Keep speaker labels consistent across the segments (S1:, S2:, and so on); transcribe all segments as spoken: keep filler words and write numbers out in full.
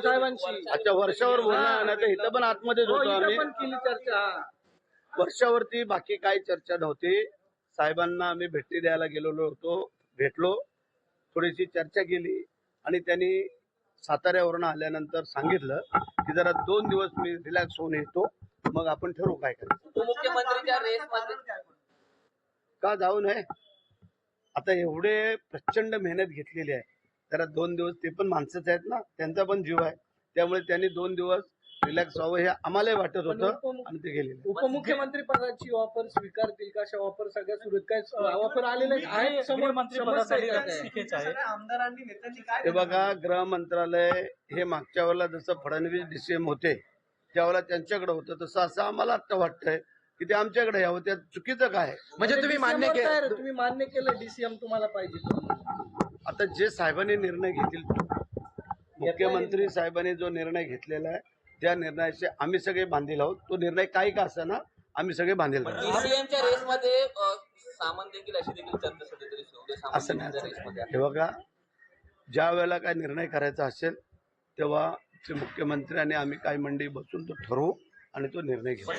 S1: साहेबांशी
S2: अच्छा वर्षावर बोलणार नाही तर इथं पण आतमध्येच होतो आम्ही
S1: पण केली चर्चा.
S2: वर्षावरती बाकी काही चर्चा नव्हती. साहेबांना आम्ही भेटी द्यायला गेलेलो होतो, भेटलो, थोडीशी चर्चा केली आणि त्यांनी साताऱ्यावरून आल्यानंतर सांगितलं की जरा दोन दिवस मी रिलॅक्स होऊन येतो, मग आपण ठरवू काय करायचं.
S3: उपमुख्यमंत्रीच्या रेसमध्ये
S2: का जाऊ नये? आता एवढे प्रचंड मेहनत घेतलेली आहे, जरा दोन दिवस ते पण माणसंच आहेत ना, त्यांचा पण जीव आहे, त्यामुळे त्यांनी दोन दिवस रिलॅक्स व्हावं हे आम्हालाही वाटत होतं आणि ते गेलेले.
S1: उपमुख्यमंत्री पदाची ऑफर स्वीकारतील का? अशा ऑफर सगळ्या सुरू आहेत काय? ऑफर आलेले आहेत समोर मंत्रिपदासाठी
S4: आमदारांनी नेत्यांनी काय
S2: हे बघा, गृह मंत्रालय हे मागच्या वेळेला जसं फडणवीस डीसीएम होते त्यावेळेला त्यांच्याकडे होतं, तसं असं आम्हाला आता वाटतंय की ते आमच्याकडे यावं. त्यात चुकीचं काय?
S1: म्हणजे तुम्ही मान्य केलं, तुम्ही मान्य केलं डीसीएम तुम्हाला पाहिजे.
S2: आता जे साहेबांनी निर्णय घेतील, मुख्यमंत्री साहेबांनी जो निर्णय घेतलेला आहे त्या निर्णयाचे आम्ही सगळे बांधील आहोत. तो निर्णय काही का असेना आम्ही सगळे बांधील आहोत.
S3: डीसीएमच्या रेसमध्ये सामंत देखील अशी देखील चर्चा सध्या तरी सुरू आहे.
S2: असं नाही. हे बघा, ज्या वेळेला काय निर्णय करायचा असेल तेव्हा ते मुख्यमंत्री आणि आम्ही काही मंडळी बसून तो ठरवू आणि तो निर्णय घेऊ.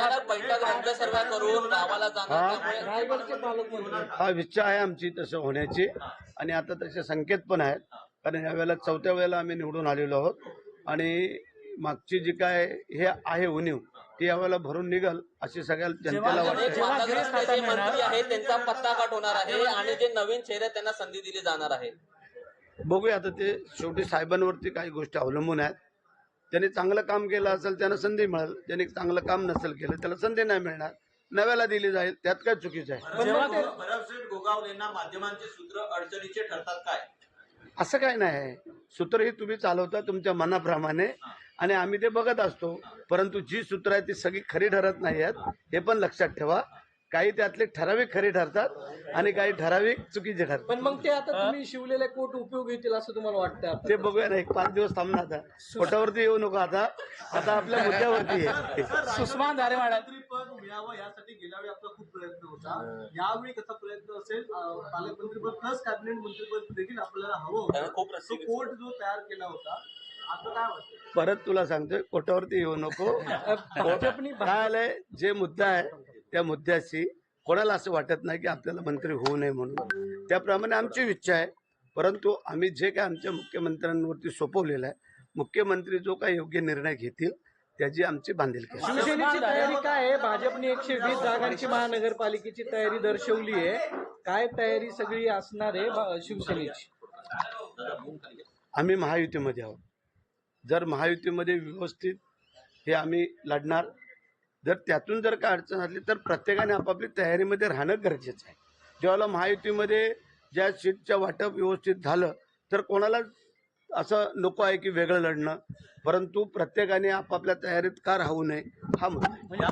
S2: हा इच्छा आहे आमची तसं होण्याची आणि आता तसे संकेत पण आहेत, कारण यावेळेला चौथ्या वेळेला आम्ही निवडून आलेलो आहोत आणि मागची जी काय हे आहे उणीव ती यावेळेला भरून निघल अशी सगळ्या जनतेला वाटते.
S3: मंत्री आहे त्यांचा पत्ता काट होणार आहे आणि जे नवीन चेहरे त्यांना संधी दिली जाणार आहे.
S2: बघूया, आता ते शेवटी साहेबांवरती काही गोष्टी अवलंबून आहेत. ज्यांनी चांगलं काम केलं असेल त्यांना संधी मिळेल, ज्यांनी चांगलं काम नसेल केलं त्याला संधी नाही मिळणार, नव्याला दिली जाईल, त्यात काय चुकीचं आहे?
S4: भरमसेठ गोगावलेंना माध्यमांचे सूत्र अडचणीचे ठरतात काय?
S2: असं काय नाही, सूत्र ही तुम्ही चालवता तुमच्या मनाप्रमाणे आणि आम्ही ते बघत असतो, परंतु जी सूत्र आहेत ती सगळी खरी ठरत नाही आहेत हे पण लक्षात ठेवा. काही त्यातले ठराविक खरी ठरतात आणि काही ठराविक चुकीचे ठरतात.
S1: पण मग ते आता तुम्ही शिवलेले कोट उपयोग येतील असं तुम्हाला वाटतं?
S2: ते बघूया ना, एक पाच दिवस थांबणार. आता कोटावरती येऊ नको, आता आता आपल्या मुद्द्यावरती आहे.
S1: सुषमा धारेवाडा
S4: पद मिळावं यासाठी गेल्या वेळी आपला खूप प्रयत्न होता, यावेळी कसा प्रयत्न असेल? पालकमंत्रीपद प्लस कॅबिनेट मंत्रीपद देखील आपल्याला हवं होतं, तो कोट जो तयार केला होता, आता काय वाटतं?
S2: परत तुला सांगतोय, कोटावरती येऊ नको. काय आलंय, जे मुद्दा आहे त्या मुद्द्याशी कोणाला असं वाटत नाही की आपल्याला मंत्री होऊ नये म्हणून, त्याप्रमाणे आमची इच्छा आहे. परंतु आम्ही जे काय आमच्या मुख्यमंत्र्यांवरती सोपवलेलं आहे, मुख्यमंत्री जो काय योग्य निर्णय घेतील त्याची आमची बांधिलकी.
S1: शिवसेनेची तयारी काय आहे? भाजपने एकशे वीस जागांची महानगरपालिकेची तयारी दर्शवली आहे, काय तयारी सगळी असणार आहे शिवसेनेची?
S2: आम्ही महायुतीमध्ये आहोत. जर महायुतीमध्ये व्यवस्थित हे आम्ही लढणार, जर त्यातून जर काय अडचण असली तर प्रत्येकाने आपापली तयारीमध्ये राहणं गरजेचं आहे. जेव्हा महायुतीमध्ये ज्या सीटच्या वाटप व्यवस्थित झालं तर कोणाला असं नको आहे की वेगळं लढणं, परंतु प्रत्येकाने आपापल्या तयारीत का राहू नये हा मुद्दा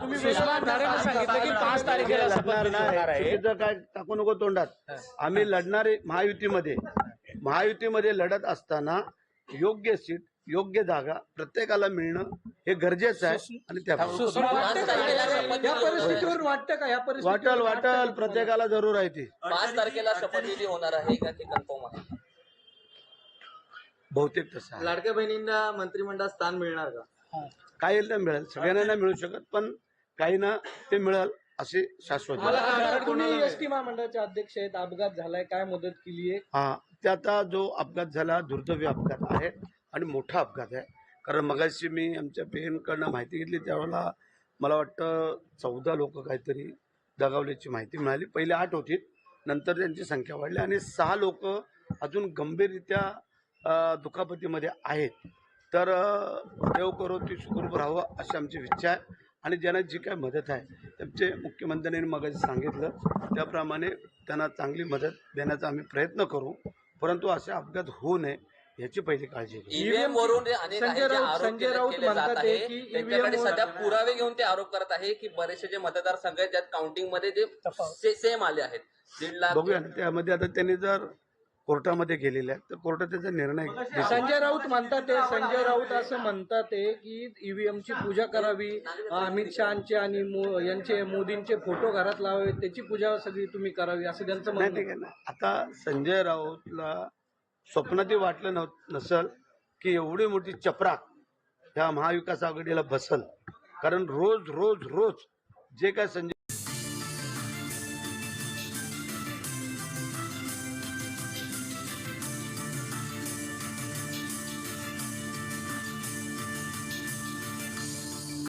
S2: आहे. काय टाकू नको तोंडात. आम्ही लढणारे महायुतीमध्ये महायुतीमध्ये लढत असताना योग्य सीट योग्य जागा प्रत्येकाला मिळणं हे गरजेचं आहे आणि त्या
S1: परिस्थितीवर वाटतं का? या परिस्थितीवर
S2: वाटल वाटल प्रत्येकाला जरूर आहे ती.
S3: पाच तारखेला शपथविधी होणार आहे का ते कन्फर्म आहे?
S2: बहुतेक तसं.
S4: लाडक्या बहिणींना मंत्रिमंडळात स्थान मिळणार का?
S2: काही ना मिळेल, सगळ्यांना नाही मिळू शकत, पण काही ना ते मिळेल असे शाश्वत.
S1: तुम्ही एसटी महामंडळाचे अध्यक्ष आहेत, अपघात झालाय, काय मदत केली आहे?
S2: हा, ते आता जो अपघात झाला दुर्दैवी अपघात आहे आणि मोठा अपघात आहे. कारण मगाशी मी आमच्या पेनकडनं माहिती घेतली त्यावेळेला मला वाटतं चौदा लोक काहीतरी दगावल्याची माहिती मिळाली. पहिले आठ होती, नंतर त्यांची संख्या वाढली आणि सहा लोक अजून गंभीररित्या दुखापतीमध्ये आहेत. तर देव करो ती सुखरूप राहावं अशी आमची इच्छा आहे आणि ज्यांना जी काय मदत आहे त्यांचे मुख्यमंत्र्यांनी मगाशी सांगितलं त्याप्रमाणे त्यांना चांगली मदत देण्याचा आम्ही प्रयत्न करू, परंतु असे अपघात होऊ नये याची पहिली काळजी घेऊ.
S3: ईव्हीएम वरून अनेक आरोप केले जात आहे, त्यांच्याकडे सध्या पुरावे घेऊन ते आरोप करत आहे की बरेचसे जे मतदारसंघ आहेत ज्यात काउंटिंग मध्ये जे सेम आले आहेत दीड लाख.
S2: बघूया ना, त्यामध्ये आता त्यांनी जर कोर्टामध्ये गेलेले आहेत तर कोर्टात त्याचा निर्णय.
S1: संजय राऊत म्हणतात संजय राऊत असं म्हणतात की ईव्हीएमची पूजा करावी, अमित शहाचे आणि यांचे मोदींचे फोटो घरात लावावे, त्याची पूजा सगळी तुम्ही करावी असं त्यांचं म्हणणं आहे.
S2: आता संजय राऊतला स्वप्नातही वाटलं नव नसल की एवढी मोठी चपराक ह्या महाविकास आघाडीला बसल. कारण रोज रोज रोज जे काय संजय